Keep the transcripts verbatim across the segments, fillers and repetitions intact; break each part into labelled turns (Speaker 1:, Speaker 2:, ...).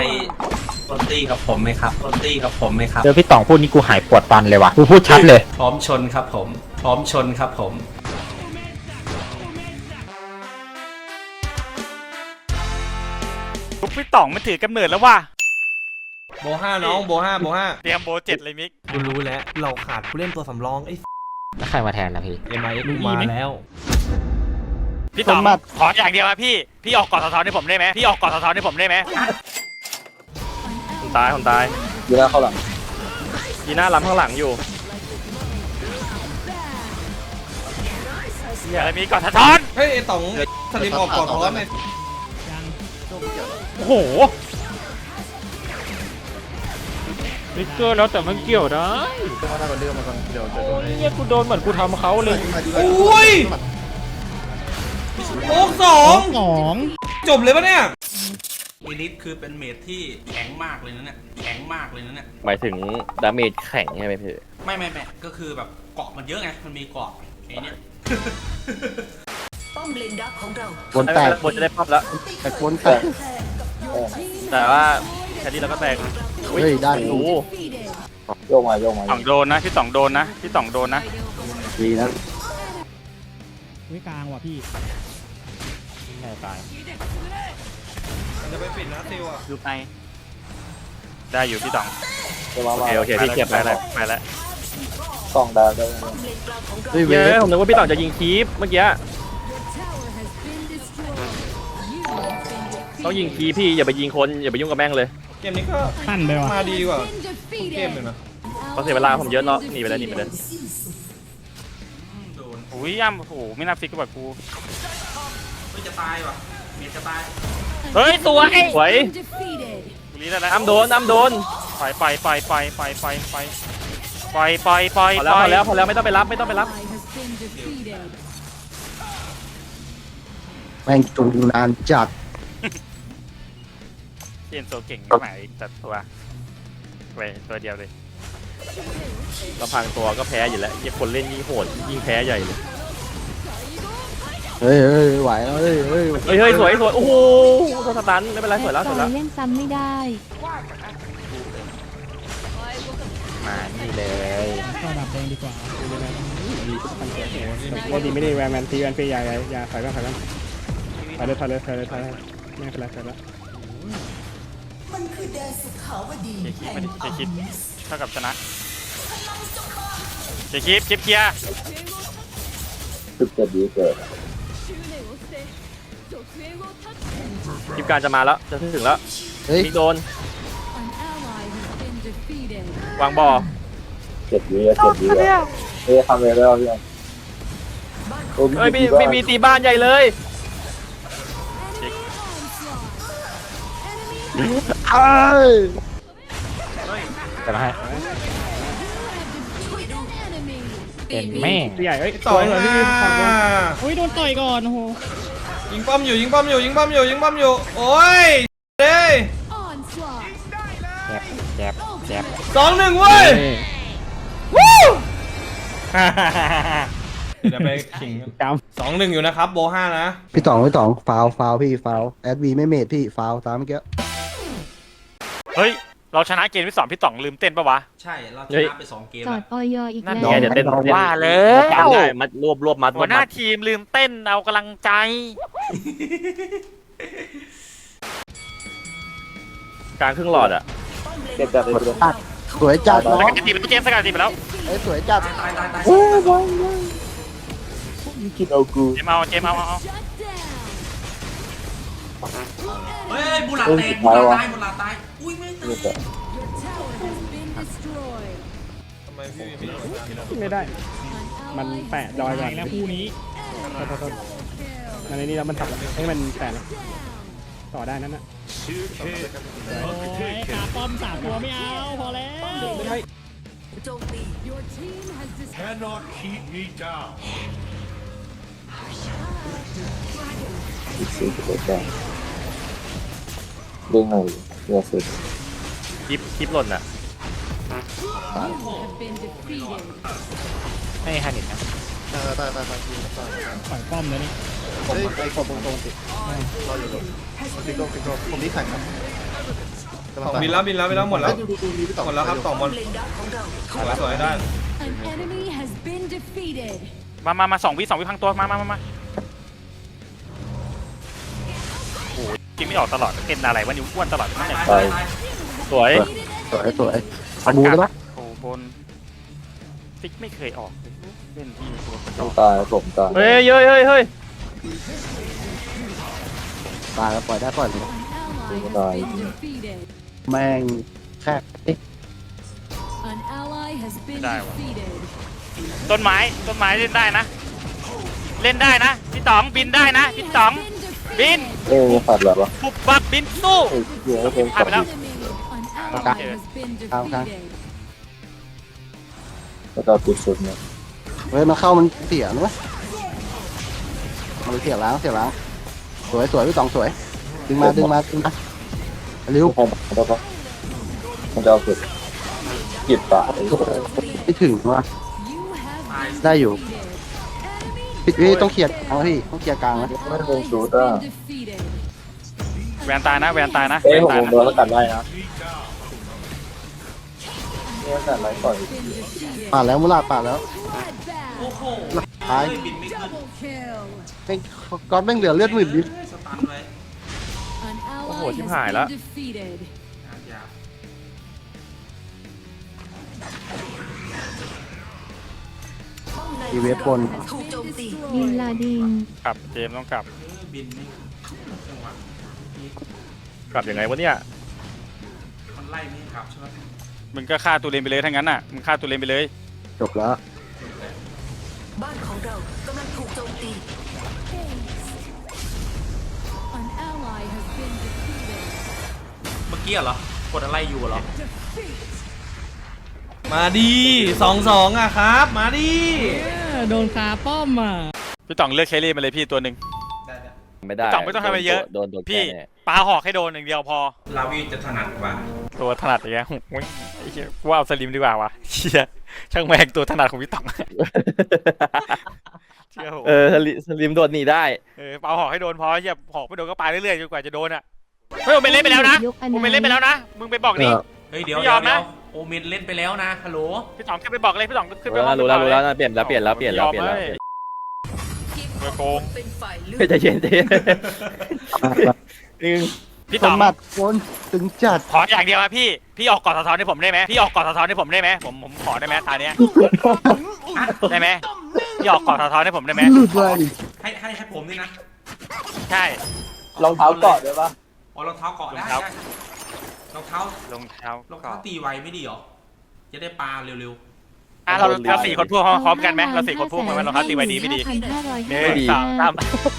Speaker 1: ต้นตีกับผมไหมครับต้นตีกับผมไหมครับ
Speaker 2: เจอพี่ต่องพูดนี่กูหายปวดฟันเลยว่ะกูพูดชัดเลย
Speaker 1: พร้อมชนครับผมพร้อมชนครับผม
Speaker 3: ลูกพี่ต่องมันถือกำเนิดแล้วว่ะ
Speaker 4: โบห้าน้องโบห้าโบห้า
Speaker 3: เตรียมโบเจ็ดเลยมิก
Speaker 4: กูรู้แล้วเราขาดผู้เล่นตัวสำรองไอ้
Speaker 2: แล้วใครมาแทนล่ะพี่
Speaker 4: เอ็มไอเอ็กซ์มาแล้ว
Speaker 3: พี่ต่องขออย่างเดียวนะพี่พี่ออกก่อนสะท้อนให้ผมได้ไหมพี่ออกก่อนสะท้อนให้ผมได้ไหม
Speaker 5: ผมตายผมตาย
Speaker 6: ยีน่าเข้าหลัง
Speaker 5: ยีน่าล้ำข้างหลังอยู่
Speaker 3: อะไรมีก่อนสะท้อน
Speaker 4: เฮ้ยไอ้ต่องสลิมออกก่อนเพราะว่าไง
Speaker 3: โอ้โห
Speaker 2: ลิกเกอร์แล้วแต่มันเกี่ยวได้โอ้ยเนี่ยกูโดนเหมือนกูทำเขาเลย
Speaker 4: โอ้ยโอ้สอง
Speaker 2: สอง
Speaker 4: จบเลยปะเนี่ย
Speaker 1: อีลิทคือเป็นเมจที่แข็งมากเลยนะเนี่ยแข็งมากเลยนะเนี่ย
Speaker 5: หมายถึงดาเมจแข็งใช่ไหมพี่
Speaker 1: ไม่ไม่ไม่ก็คือแบบเกาะมันเยอะไงมันมีเกาะไอ้เนี่ย
Speaker 6: ป้อมเลนดักของเรา
Speaker 5: บนแตกบนจะได้พับแล้ว
Speaker 6: แต่บนแตก
Speaker 5: แต่ว่าแค่นี้เราก็แตก
Speaker 6: เฮ้ยได้
Speaker 5: โอ้
Speaker 6: โยกมาโยกมา
Speaker 3: ต่องโดนนะพี่ต่องโดนนะพี่ต่องโดนนะ
Speaker 6: ดีนะ
Speaker 2: วิกลางว่ะพี่แม่ตาย
Speaker 4: มันจะไปปิดนะซิวอ่ะ
Speaker 3: อยู่ไปได้อยู่พี่ต่อง
Speaker 5: โอเคโอเคพี่เกียบไปแล้วไปแล้ว
Speaker 6: กล้องดาวได้
Speaker 5: เฮ้ยผมนึกว่าพี่ต่องจะยิงคีปเมื่อกี้ต้องยิงคีพี่อย่าไปยิงคนอย่าไปยุ่งกับแม่งเลย
Speaker 4: เกมนี้ก็
Speaker 2: ขั้นไปว่ะ
Speaker 4: มาดีกว่าเกมเลยนะ
Speaker 5: เพราะเสียเวลาผมเยอะเนาะหนีไปแล้วหนีไปเลย
Speaker 3: อุ้ยย่ำโอ้โหไม่น่าฟิกกับกู
Speaker 1: ไม่จะตายว่ะเมจจะตาย
Speaker 3: เฮ้ยสวย
Speaker 5: สวย
Speaker 3: กูรีได้แล้ว
Speaker 5: อ้ำโดนอ้ำโดน
Speaker 3: ไปไปไปไปไปไปไปไปไปไป
Speaker 5: พอแล้วพอแล้วพอแล้วไม่ต้องไปรับไม่ต้องไปรับ
Speaker 6: แม่งจูงนานจัด
Speaker 3: เทียนโซเก่งไหมแต่ตัวไปตัวเดียวเลย
Speaker 5: ลำพังตัวก็แพ้อยู่แล้วยิ่งคนเล่นยิ่งโหดยิ่งแพ้ใหญ่เลย
Speaker 6: เฮ้ยเฮ้ยไหวแล้วเฮ้ยเฮ้ย
Speaker 5: เฮ้ยเฮ้ยสวยสวยโอ้โหโดนสตันไม่เป็นไรสวยแล้วสวยแล้ว
Speaker 7: เล่นซ้ำไม่ได้
Speaker 2: มานี่เลยก็ดับแดงดีกว่าว่าดีไม่ได้แวร์แมนตีแวนเปียยายาใส่บ้างใส่บ้างไปเลยไปเลยไปเลยไปเลยไม่เป็นไรไปแล้ว
Speaker 3: มันคือแดนสุขาวดีเจคิดเจคิดเท่ากับชนะเจคิดคลิปเคลียร์
Speaker 6: จุดเกิดดีเกิด
Speaker 5: คลิปการจะมาแล้วจะถึงแล้วมิกโดนวางบ่อ
Speaker 6: เจ็ดวิเจ็ดวิเฮ้ยทำเลยแล้วพี่
Speaker 5: เฮ้ยมีมีมีตีบ้านใหญ่เลย
Speaker 6: เอ้ย
Speaker 2: แต่ละให้เป็นแม่ใหญ่เอ้ย
Speaker 4: ต่อยเลยพี่
Speaker 2: โอ้ยโดนต่อยก่อนโอ้โห
Speaker 4: ยิงป้อมอยู่ยิงป้อมอยู่ยิงป้อมอยู่ยิงป้อมอยู่โอ้ยเด้
Speaker 2: แจ็บแจ็บแจ็บ
Speaker 4: สองหนึ่งเว้ยวู้เดี๋ยวไปขิงสองหนึ่งอยู่นะครับโบห้านะ
Speaker 6: พี่ต่องพี่ต่องฟาวฟาวพี่ฟาวแอดวีไม่เมทพี่ฟาวตามเมื่อกี้
Speaker 3: เฮ้ยเราชนะเกมที่สองพี่ต่องลืมเต้นปะวะ
Speaker 1: ใช่เราชนะไปสองเกม
Speaker 7: จอดออยอีกแล้ว
Speaker 5: เดี๋ยวเต้น
Speaker 3: ว่าแล้ว
Speaker 5: มัดรวบรวบมัด
Speaker 3: หัวหน้าทีมลืมเต้นเอากำลังใจ
Speaker 5: กลางครึ่งหลอดอ่ะ
Speaker 6: เจ็บจัดสวยจัด
Speaker 3: สกัดตีไปแล้วเจมสกัดตีไปแล้ว
Speaker 6: เอ้ยสวยจัด
Speaker 1: ตายตายตาย
Speaker 6: โอ้ยบอลนี่กินเอากู
Speaker 3: เจมเอาเจมเอาเอา
Speaker 1: เฮ้ยบุหลาแตกบุหลาตายบุหลาตายอุ้ยไม่ตาย
Speaker 4: ทำไมพี่พี่
Speaker 2: ไม่ได้มันแปะดอยก่อนแล้วคู่นี้มันในนี้แล้วมันถับให้มันแปะต่อได้นั่นน่ะโอ้ยขาป้อมสามตัวไม่เอาพอแล้ว
Speaker 6: โจมตี
Speaker 8: cannot keep me down
Speaker 6: สี่สิบเอ็ดได้เด้งหน่อยเยอะสุด
Speaker 5: คลิปคลิปหล่นอ่ะ
Speaker 2: ให้ฮันนิดนะ
Speaker 6: ตายตายตายตาย
Speaker 2: ปล่อยป้อมเลยนี่
Speaker 6: ผมไอ้คนตรงๆติดเราอยู่ตรงนี้ก็ผมนี่แข่งครับ
Speaker 4: สองบินแล้วบินแล้วบินแล้วหมดแล้วหมดแล้วครับสองบอลสวยสวยได้
Speaker 7: An enemy has been defeated.
Speaker 3: มามามาสองวิสองวิพังตัวมามามามาโอ้ยกินไม่ออกตลอดเป็นอะไรวะนิ้วอ้วนตลอดไม่ไหน
Speaker 6: ตาย
Speaker 5: สวย
Speaker 6: สวยสวยพันบูได้ปะ
Speaker 3: โอ้บนฟิกไม่เคยออกเล่นที่ตัว
Speaker 6: ต้องตายผมตาย
Speaker 5: เฮ้ยเฮ้ยเฮ้ยเฮ้ย
Speaker 6: ตายแล้วปล่อยได้ปล่อยเลย
Speaker 7: An ally has been defeated.
Speaker 6: แม่งแค่
Speaker 7: An ally has been
Speaker 3: Đây rồi.
Speaker 7: defeated.
Speaker 3: ต้นไม้ต้นไม้เล่นได้นะ เล่นได้นะพี่ต๋องบินได้นะพี่ต๋อง บิน
Speaker 6: เอ้ยขาดแบบวะ
Speaker 3: ปุบบับบินสู้
Speaker 6: เอ้ยเดี๋ยวเพลง
Speaker 3: ผ่านไปแล้ว
Speaker 7: An ally has been defeated.
Speaker 6: แล้วก็ปิดสุดเนี่ย
Speaker 9: เฮ้ยมันเข้ามันเสียนะเว้ยมันเสียล้างเสียล้างสวยสวยพี่ตองสวยดึงมาดึงมาดึงมาเร็ว
Speaker 6: พอได้ปะมันจะเอาสุดกิดตาย
Speaker 9: ไม่ถึงว่ะ
Speaker 7: You have
Speaker 9: ได้อยู่
Speaker 7: defeated.
Speaker 9: พี่พี่ต้องเคลียร์กลางนะพี่ต้องเคลียร์กลางนะ
Speaker 6: ไม่ลง
Speaker 7: Has
Speaker 6: สูตรอ่ะ
Speaker 7: been defeated.
Speaker 3: แวนตายนะแวนตายนะ
Speaker 6: เอ้
Speaker 3: แวย น
Speaker 6: ผม
Speaker 3: ตาย
Speaker 6: ลง
Speaker 3: นะ
Speaker 6: โดนแล้วกันได้นะ
Speaker 8: Me down.
Speaker 6: เนี่ยแต่ไรต่อย
Speaker 7: Been defeated.
Speaker 9: ป่าดแล้วมุลาดป่าดแล้ว
Speaker 7: Bloodbath.
Speaker 1: โอ้โห
Speaker 9: ตาย
Speaker 1: เฮ้ยบินไม่ขึ้น
Speaker 7: Double kill.
Speaker 9: แม่งก้อนแม่งเหลือเลือดหมื่นดิ
Speaker 1: เฮ้ยสตันเลย
Speaker 7: An ally
Speaker 5: Ôi, chim
Speaker 7: has
Speaker 5: hải
Speaker 7: been
Speaker 5: đó.
Speaker 7: defeated.
Speaker 1: ยาก
Speaker 9: อีเวฟบน
Speaker 7: บินลาดิง
Speaker 3: กลับเจมส์ต้องกลับ
Speaker 1: เฮ้ยบินไม่จังหวะนี้
Speaker 5: กลับยังไงวะเนี่ย
Speaker 1: มันไล่ไม่ให้ขับใช่ไหม
Speaker 3: มึงก็ฆ่าตัวเลนไปเลยทั้งนั้นน่ะมึงฆ่าตัวเลนไปเลย
Speaker 9: จบแล้ว
Speaker 7: An ally has been defeated.
Speaker 1: เมื่อกี้เหรอ กดอะไรอยู่เหรอ
Speaker 4: มาดีสองสองอ่ะครับ มาดี
Speaker 2: โดนคาป้อมอ่ะ
Speaker 3: พี่ต๋องเลือกเคลรี่มาเลยพี่ตัวหนึ่ง
Speaker 1: ได้ได้
Speaker 5: ไม่ได้
Speaker 3: พี่ต๋องไม่ต้องทำอะไรเยอะ
Speaker 5: โดนโดนแก
Speaker 3: พี่
Speaker 5: แน่
Speaker 3: ปาหอกให้โดนอย่างเดียวพอ
Speaker 1: ลาวีจะถนัดกว่า
Speaker 3: ตัวถนัดอย่างเงี้ยโอ้ยไอ้เหี้ยกูว่าเอาสลิมดีกว่าวะเชี่ยช่างแม่งตัวถนัดของพี่ต๋องเชื่อผม
Speaker 5: เออสลิสลิมโดดหนีได้
Speaker 3: เออปาหอกให้โดนพอเหี้ยหอกไม่โดนก็ปาเรื่อยๆจนกว่าจะโดนอ่ะเฮ้ยผมไปเล่นไปแล้วนะผมไปเล่นไปแล้วนะมึงไปบอกนี่
Speaker 1: เฮ้ยเดี๋ยว
Speaker 3: ไม่ย
Speaker 1: เดี๋
Speaker 3: อ
Speaker 1: ยว
Speaker 3: ม
Speaker 1: เดี๋
Speaker 3: นะ
Speaker 1: ยวโอเมนเล่นไปแล้วนะฮัลโหล
Speaker 3: พี่ต๋องขึ้นไปบอกเลยพี่ต๋องขึ้นไป
Speaker 5: รู้
Speaker 3: ห้
Speaker 5: แล้
Speaker 3: อ
Speaker 5: ว
Speaker 3: ง
Speaker 5: รู้แล้วรู้แล้วนะเปลี่ยนแล้วเปลี่ยนแล้วเปลี่ยนแล้วเปลี่ยนแล้ว
Speaker 3: เออโกง
Speaker 5: เฮ้ยใจเย็นใจเย็นนึง
Speaker 3: พี่
Speaker 9: ค
Speaker 3: ต๋อน ง
Speaker 9: หมัดคนตึงจัด
Speaker 3: ขออย่างเดียวอะพี่พี่ออกกอดสะท้อนให้ผมได้ไหมพี่ออกกอดสะท้อนให้ผมได้ไหมผมผมขอได้ไหมตาเนี้ยได้ไหมพี่ออกกอดสะท้อนให้ผมได้ไหม
Speaker 9: หลุดเลย
Speaker 1: ให้ให้ให้ผมนี่นะ
Speaker 3: ใช่
Speaker 6: รองเท้าเกาะด้วยปะ
Speaker 1: อ๋อรองเท้าเกาะได้
Speaker 3: รองเท้า
Speaker 1: ได้รองเท้าร
Speaker 3: องเท้าร
Speaker 1: องเท้าตีไวไม่ดีเหรอ จะได้ปลาเร็ว
Speaker 3: อ่ะเราเราสี่คนพูดพร้อมกันไหมเราสี่คนพูดพร้อมกันรองเท้าตีไว้ดีไม่ดีหนึ่งสองสาม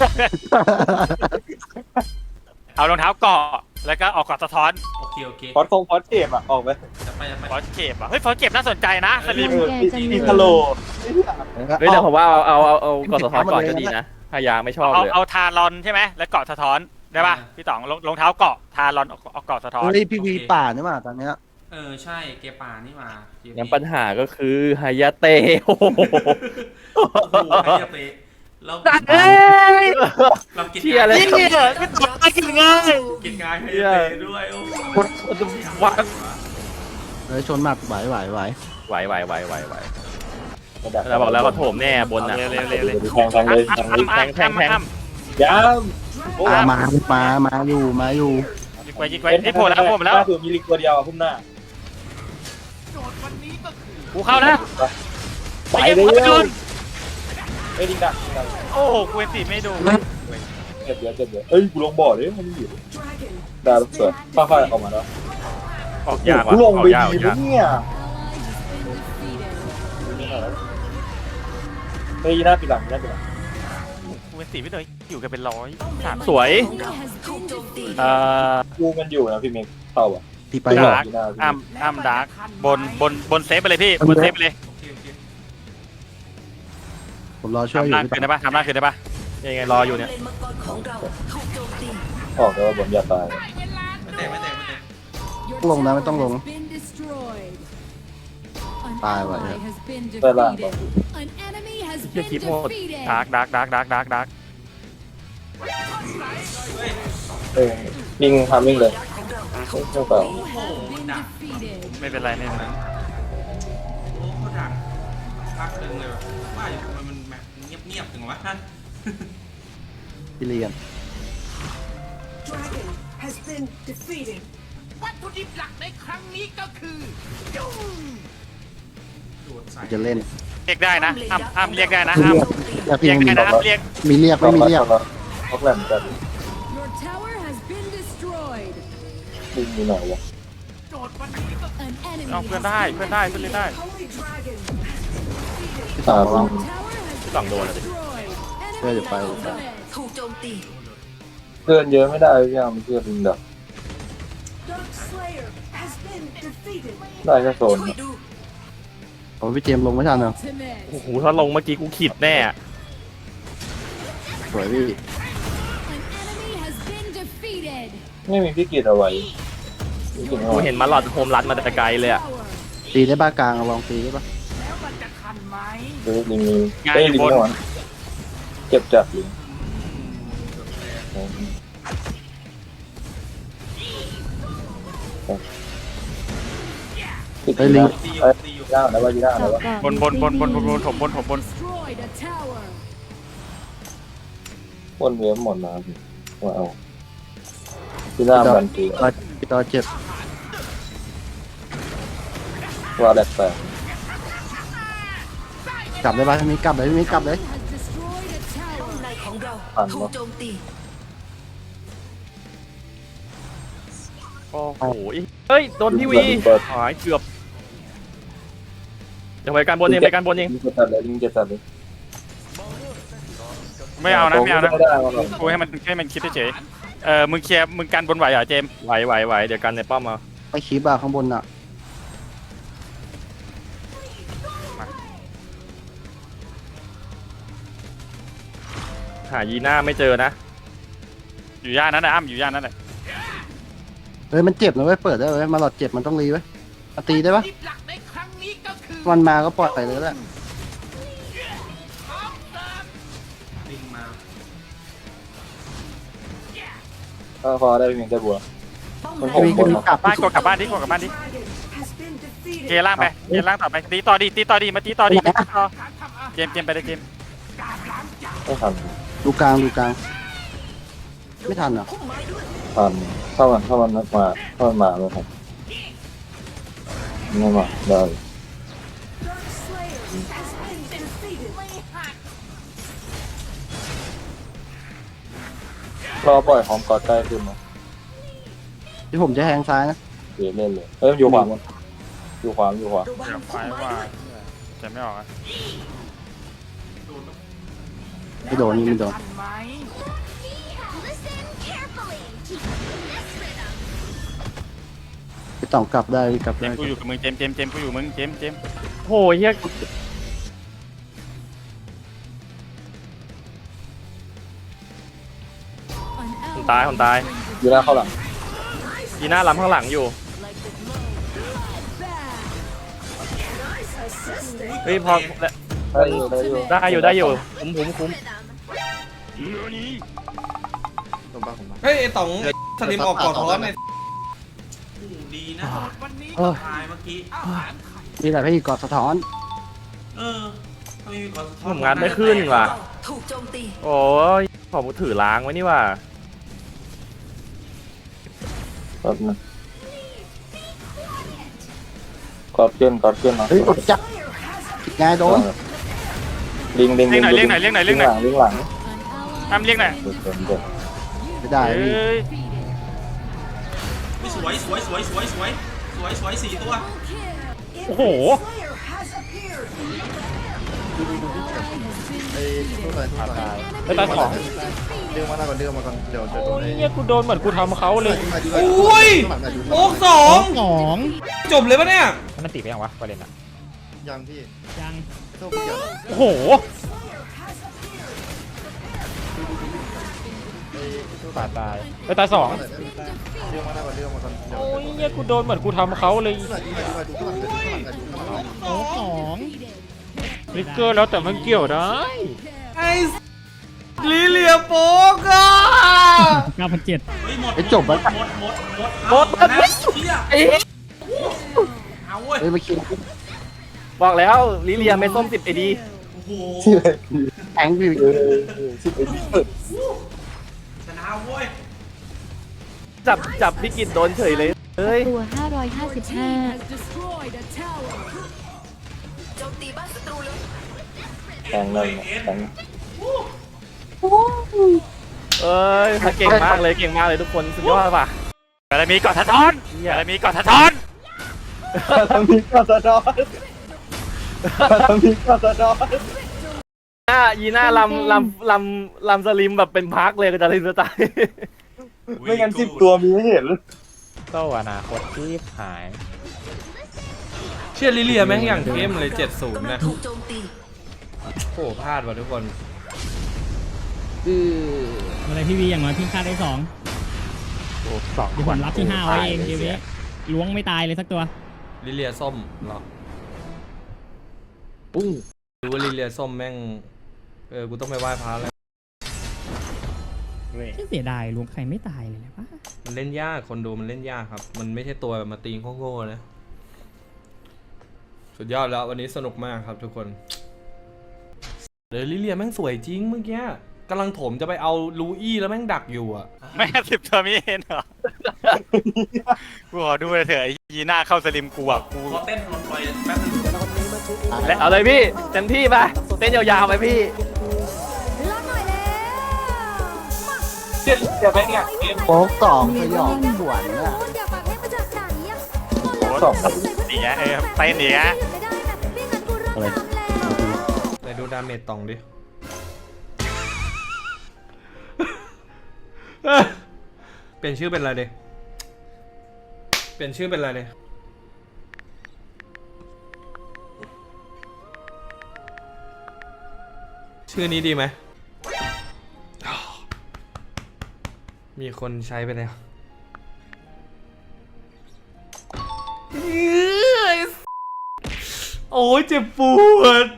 Speaker 3: เอารองเท้าเกาะแล้วก็ออกกอดสะท้อน
Speaker 1: ๆ โอเคโอเค
Speaker 6: พอดคงพอดเทปอ่ะ ออกไป
Speaker 1: จะไปจะไป
Speaker 3: ฟอสเก็บอ่ะเฮ้ยฟอสเก็บน่าสนใจนะสลิม
Speaker 6: เอออีทาโล
Speaker 5: เฮ้ยแต่ผมว่าเอาเอาเอาเอากดสะท้อนก่อนก็ดีนะพยาไม่ชอบ
Speaker 3: เอา
Speaker 5: เลย
Speaker 3: เอาทารอนใช่ไหมแล้วเกาะสะท้อนได้ป่ะพี่ต๋องรองรองเท้าเกาะทารอนเอาเกาะสะท้อน
Speaker 9: เฮ้ยพี่วีป่านี่มาตอนเนี้ย
Speaker 1: เออใช่เกปลานี่มาเกม
Speaker 5: งั้นปัญหาก็คือฮายาเตะโอ้โห
Speaker 1: โอ้โหใครจะไปเรา
Speaker 3: เอ้ย
Speaker 1: เรากิน
Speaker 5: เชี่ยเลย
Speaker 3: นี่เหรอพี่ต๋องกินง่าย
Speaker 1: กินงานให้เตะด้วยโอ้โห
Speaker 5: วัด
Speaker 9: เฮ้ยชนหมัดไหวไหวไหว
Speaker 5: ไหวไหวไหวไหวไหวเราบอกแล้วก็โถมแน่บนน่ะ
Speaker 3: เร็วเร็วเร็วเร็ว
Speaker 6: แทงแทงเลยแทงเลย
Speaker 5: แทงแทงแทง
Speaker 6: ย้
Speaker 9: อ่ามามามาอยู่มาอยู่
Speaker 3: ยิงไว้ยิงไว้นี่โผล่แล้วโผล่มาแล้ว
Speaker 6: ถือมีลิกตัวเดียวพุ่มหน้า
Speaker 3: กูเข้านะ
Speaker 6: ไป
Speaker 3: ไอ้
Speaker 6: เล
Speaker 3: เหี้ย
Speaker 6: ย
Speaker 3: โดน
Speaker 6: เอ้ยดิงดักดิงดัก
Speaker 3: โอ้โหกูเอ็นตีไม่ดู
Speaker 6: เจ็บเยอะเจ็บเยอะเอ้ยกูลงบ่อเลยมันอยู่ดาวสวยค่อยๆออกมาแล้ว
Speaker 3: ออกยากว่ะ
Speaker 6: กูลง
Speaker 3: ออ
Speaker 6: ไป
Speaker 3: กยากอ
Speaker 6: ดี
Speaker 3: อกยาก
Speaker 6: เนี่ย
Speaker 7: Ally has been defeated.
Speaker 6: เฮ้ยหน้าปีหลังหน้าปีหลัง
Speaker 3: กูเอ็นตีไม่เลยอยู่กันเป็นร้อยสาม
Speaker 5: สวย
Speaker 7: Ally has been defeated.
Speaker 3: เอ่อ
Speaker 6: กูมันอยู่นะพี่เมกเต่าอ่ะ
Speaker 9: ที่ไป
Speaker 3: ด
Speaker 9: หรอ
Speaker 3: าร์กอ้ำอ้ำดาร์กบนบนบนเซฟไปเลยพี่บนเซฟไปเลย
Speaker 1: โอเคโอเค
Speaker 9: ผมรอช่วยอ
Speaker 3: ทำ
Speaker 9: ยู่
Speaker 3: ล่าง
Speaker 9: พี่
Speaker 3: คืนได้ปะทำล่างคืนได้ปะ
Speaker 5: ยังไงรออยู่เนี่ย
Speaker 6: ออกแล้วบนอย่าตาย
Speaker 1: ไม่เตะไม่เตะไม่เตะ
Speaker 7: Your
Speaker 9: ลงนะไม่ต้องลง
Speaker 7: tower has been destroyed. An
Speaker 9: Tài vậy
Speaker 7: ally
Speaker 9: ạ.
Speaker 7: has been
Speaker 6: Tài làng
Speaker 7: defeated. An enemy has
Speaker 5: เชี่ย
Speaker 7: been
Speaker 5: คลิปโหด
Speaker 7: defeated.
Speaker 3: ดาร์กดาร์กดาร์กดาร์กดาร์กดาร์ก
Speaker 6: เออลิงทำมิ่งเลยไม่เปล่า
Speaker 7: Has been defeated.
Speaker 3: ไม่เป็นไรไม่เป็นไร
Speaker 1: โอ้เขาดักพักหนึ่งเลยแบบว่าอยู่ทำไมมันแบบเงียบๆถึงวะ
Speaker 9: พี่เลียน
Speaker 10: Dragon has been defeated.
Speaker 8: วัตถุดิบหลักในครั้งนี้ก็คือยุง
Speaker 1: โดดใส่
Speaker 9: จะเล่น
Speaker 3: เรียกได้นะห้ามห้ามเรียกได้นะห้าม
Speaker 9: เรียก
Speaker 3: เรียก
Speaker 9: พี่
Speaker 3: ได้นะห้ามเรียก
Speaker 9: มีเรียกไม่มีเรียก
Speaker 6: ท็อกแลนด์กัน
Speaker 7: Your tower has been destroyed.
Speaker 6: ลิงมีไหนวะ
Speaker 8: โจทย์วันนี้ก็
Speaker 7: An enemy
Speaker 3: เอาเพื่อน
Speaker 7: has
Speaker 3: ได้
Speaker 7: been
Speaker 3: เพื่อนได้เพื่อนเล่นได้
Speaker 10: Holy Dragon.
Speaker 6: อ่า
Speaker 7: Tower has
Speaker 5: ฝั่งโดนอะดิ
Speaker 7: destroyed.
Speaker 9: เพื่อจะไป
Speaker 7: Enemy ultimate.
Speaker 10: ถูกโจมตี
Speaker 6: เพื่อนเยอะไม่ได้พี่ยังไม่เชื่อลิงดัก
Speaker 10: Dark Slayer has been defeated.
Speaker 6: ได้แค่โซน
Speaker 10: ช่วยดู
Speaker 9: โอ้พี่เจมส์ลงไม่ทันเหรอ
Speaker 7: Ultimate.
Speaker 5: โอ้โหถ้าลงเมื่อกี้กูขิดแน่อะ
Speaker 9: สวยพี่
Speaker 7: An enemy has been defeated.
Speaker 6: ไม่มีพี่กิจเอาไว้พี่กิจเอา
Speaker 5: กู
Speaker 6: ไว้
Speaker 5: เห็นมาหลอดโฮมรันมาแต่ไกลเลยอะ
Speaker 7: Tower.
Speaker 9: ตีได้บ้ากลางลองตีได้ปะ
Speaker 8: แล้วมันจะทันไหม
Speaker 6: เฮ้ยลิงมี
Speaker 3: งาน
Speaker 6: เอ้ย
Speaker 3: อยู่
Speaker 6: ลิง
Speaker 3: บน
Speaker 6: ไม่หวานเจ็บจัดลิงติด
Speaker 9: เฮ้ยลิง
Speaker 1: ตีอยู่
Speaker 6: เอ้ย
Speaker 1: ตีอยู่
Speaker 6: ย่างแล้วว่าย่างแล้วว่า
Speaker 3: บนบนบนบนบนบนถมบนถมบน
Speaker 7: Destroyed a tower.
Speaker 6: วนเวียนหมดแล้วพี่ว่าเอาที่หน้าบันที
Speaker 9: รอรอเจ็บ
Speaker 6: ว่าแดกแตก
Speaker 9: กลับได้ปะพี่มีกลับเลยพี่มีกลับเลย
Speaker 7: Has destroyed a tower.
Speaker 10: ในของเรา
Speaker 6: ผ่าน
Speaker 10: ถู
Speaker 6: ปะ
Speaker 10: กโจมตี
Speaker 5: โอ้โหเฮ้ยโดนพี่วีหายเกือบเดี๋ยวไปการบนเองไปการบนเอง
Speaker 6: ลิงจะตัดเลยลิงจะตัดเลย
Speaker 3: ไม่เอานะไม่เอานะ
Speaker 6: ไม่ได้เอาหรอก
Speaker 3: กูให้มันให้มันคิดเฉยๆเออมึงเคลียร์มึงกันบนไหวเหรอเจมส์
Speaker 5: ไหวไหวไหวเดี๋ยวกันในป้อมมา
Speaker 9: ไม่คีบอะข้างบนอะ
Speaker 5: หายีน่าไม่เจอนะ
Speaker 3: อยู่ย่านนั้นนะอ้ำอยู่ย่านนั้นแหละ
Speaker 9: เฮ้ยมันเจ็บนะเว้ยเปิดได้เว้ยมาหลอดเจ็บมันต้องรีไว้ยมาตีได้ปะ
Speaker 8: ดิบหลักในครั้งนี้ก็คือ
Speaker 9: มันมาก็ปล่อยไปเลยแหละ
Speaker 1: ลิงมา
Speaker 6: ถ้าพอได้เพียงแค่บัว มันผม
Speaker 9: พี่มีกลับ
Speaker 3: บ้านกดกลับบ้านดิกดกลับบ้านดิ
Speaker 10: Dragon has been
Speaker 3: เก
Speaker 10: defeated.
Speaker 3: ล่างไปเกล่างต่อไปตีต่อดิตีต่อดิมาตีต่อดิตีต่อเจมส์เจมส์ไปเลยเจมส์
Speaker 6: ไม่ทัน
Speaker 9: ดูกลางดูกลางไม่ทันเหรอ
Speaker 6: ทันถ้ามันถ้ามันมาถ้ามันมาไม่ทันไม่มาได้
Speaker 10: Dark Slayer has been defeated.
Speaker 6: รอปล่อยของกอดใกล้ขึ้นมา
Speaker 9: ที่ผมจะแทงซ้ายนะ
Speaker 6: เดี๋ยวเล่นเลยเอ้ยอยู่ขวามันอยู่ขวาอยู่ขวา
Speaker 10: ระวัง
Speaker 3: เดี๋ยวไฟว่าจะไม่ออกอะ
Speaker 9: ไม่โดนนี่ไม่โดน
Speaker 8: ทันไหม
Speaker 9: พี่ต้องกลับได้พี่กลับ
Speaker 3: เจ
Speaker 9: ได้
Speaker 3: มส์กูอยู่กับมึงเจมส์เจมส์เจมส์กูอยู่มึงเจมส์เจมส์
Speaker 5: โอ้ยเฮีย
Speaker 7: An
Speaker 5: คน
Speaker 7: ally
Speaker 5: ตายคนตาย
Speaker 6: อยู่หน้าเข้าหลัง
Speaker 5: ยีน่าล้ำข้างหลังอยู่
Speaker 7: back.
Speaker 5: เฮ้ยพอ
Speaker 6: ได้อยู่ได้อยู่
Speaker 5: ได้อยู่ได้อยู่คุ้มคุ้มคุ้ม
Speaker 4: เฮ้ยไอ้ต๋องสลิมออกก่อนท้อนใน
Speaker 1: ดีนะ
Speaker 8: วันนี้
Speaker 9: เออ
Speaker 1: ตายเมื่อกี้
Speaker 8: อาหารไข่
Speaker 9: นี่แหละพี่กอดสะท้อน
Speaker 1: เออถ้าไม่มีกอสะท้
Speaker 5: ผมงานไม่ขึ้นว่ะ
Speaker 10: ถูกโจมตี
Speaker 5: โอ้ยขอมือถือล้างไว้นี่ว่ะ
Speaker 6: กอดนะกอดเพื่อนกอดเพื่อนมา
Speaker 9: เฮ้ยอดจับไงโดน
Speaker 6: ลิงลิง
Speaker 3: เรียกหน่อยเรียกหน่อยเรียกหน่อยเรียกหน่อย
Speaker 6: ลิงหลัง
Speaker 7: An ally
Speaker 3: อ้ำเรียกหน่อย
Speaker 6: เดี๋ยวเดี๋ยวเดี๋ยว
Speaker 9: ไม่ได้
Speaker 3: เฮ้
Speaker 9: พี่
Speaker 3: ย
Speaker 1: สวยสวยสวยสวยสวยสวยสวยสี่ตัว
Speaker 7: kill.
Speaker 3: โอ้โห
Speaker 10: Slayer has appeared.
Speaker 7: ไปตายสอง
Speaker 3: โอ้ยเนี่ยกูโดนเหมือนกูทำเขาเลย
Speaker 4: อุ้ยโอ๊กสอง
Speaker 2: สอง
Speaker 4: จบเลยปะเนี่ย
Speaker 3: มันติดไปยังวะประเด็นอะ
Speaker 2: ยัง
Speaker 3: โอ้โห ตายตายไปตายสองโอ้ยเนี่ยกูโดนเหมือนกูทำเขาเลย
Speaker 2: โอ้สอง
Speaker 3: ลิกเกอร์แล้วแต่มันเกี่ยวได้
Speaker 4: ไอ้ลิเลียโป๊กอ่ะ
Speaker 2: เก้าพันเจ็ด
Speaker 1: เฮ้ยหมด
Speaker 9: ไอ้จบแล้ว
Speaker 1: หมดหมดหมดหมดเอานะเชี่ย
Speaker 5: ไอ้
Speaker 1: เอาเว้ย
Speaker 9: เฮ้ยมาคิด
Speaker 5: บอกแล้วลิเลียไม่ส้มสิบไอดี
Speaker 1: โอ้โห
Speaker 6: ที่ไหน
Speaker 9: แองดิ
Speaker 6: เออสิบเอ็ดเปิด
Speaker 1: ชนะเว้ย
Speaker 5: จับจับพี่กิตโดนเฉยเลยเฮ้ย
Speaker 7: ตัวห้าร้อยห้าสิบห้า has destroyed a tower
Speaker 10: โจมตีบ้านศัตรูเลย
Speaker 6: แข่งเลยแข่ง
Speaker 5: เอ้ยเก่งมากเลยเก่งมากเลยทุกคนสุดยอดป่ะ
Speaker 3: บารมีเกาะสะท้อนบารมีเกาะสะท้อน
Speaker 6: ทำนี้ก็สะท้อนทำนี้ก็สะท้อน
Speaker 5: หน้ายีหน้าลำลำลำลำสลิมแบบเป็นพักเลยก็จะลิมจะตาย
Speaker 6: ไม่งั้นสิบตัวมีให้เห็น
Speaker 5: ก็อนาคตที่หาย
Speaker 4: เชื่อลิเลียแม่งอย่างเข้มเลยเจ็ดศูนย์
Speaker 10: กำลั
Speaker 4: นะ
Speaker 10: งถูกโจมตี
Speaker 4: โอ้พลาดว่ะทุกคน
Speaker 9: คือ
Speaker 2: อะไรพี่วีอย่างน้อยพี่ฆ่าได้สอง
Speaker 5: โอ้สอง
Speaker 2: เดี๋ยวผมรับที่ห้าไว้เองเดี๋ยวนี้ล้วงไม่ตายเลยสักตัว
Speaker 4: ลิเลียส้มเหรอ
Speaker 5: ปุ้ง
Speaker 4: ดูว่าลิเลียส้มแม่งเออกูต้องไปไหว้พระแล้ว
Speaker 2: เสียดายล้วงใครไม่ตายเลยนะป้า
Speaker 4: มันเล่นยากคนดูมันเล่นยากครับ มันไม่ใช่ตัวแบบมาตีงโง่ๆนะสุดยอดแล้ววันนี้สนุกมากครับทุกคนเดยวลิเลียแม่งสวยจริงเมื่อกี้กำลังถมจะไปเอาลูอี้แล้วแม่งดักอยู่อ่ะ
Speaker 3: แม่สิบตัวมีเห็นเหรอกูขอดูเลยเถอะไอ้ยีหน้าเข้าสลิมกูอ่ะกู
Speaker 1: ขอเต้นลงไปแป๊บนึง
Speaker 5: และเอาเลยพี่เต็มที่ไปเต้นยาวๆไปพี่
Speaker 7: รอหน่อยแล้ว
Speaker 6: เจ็ดเดี๋ยวแม่งเนี่ยเกม
Speaker 9: โป๊กสองสยองสวนอ่ะ
Speaker 7: อยากปากให้มาจากไหนอ่ะ
Speaker 6: สอง
Speaker 3: นี่ไงเออเต้นอีกฮะ
Speaker 7: ไม่ได้แบบไม่งั้นกูเริ่มทำแล้ว
Speaker 4: ไหนดูดาเมจตองดิ เปลี่ยนชื่อเป็นอะไรดิเปลี่ยนชื่อเป็นอะไรดิชื่อนี้ดีไหม มีคนใช้ไปแล้วโอ้ยเจ็บปวด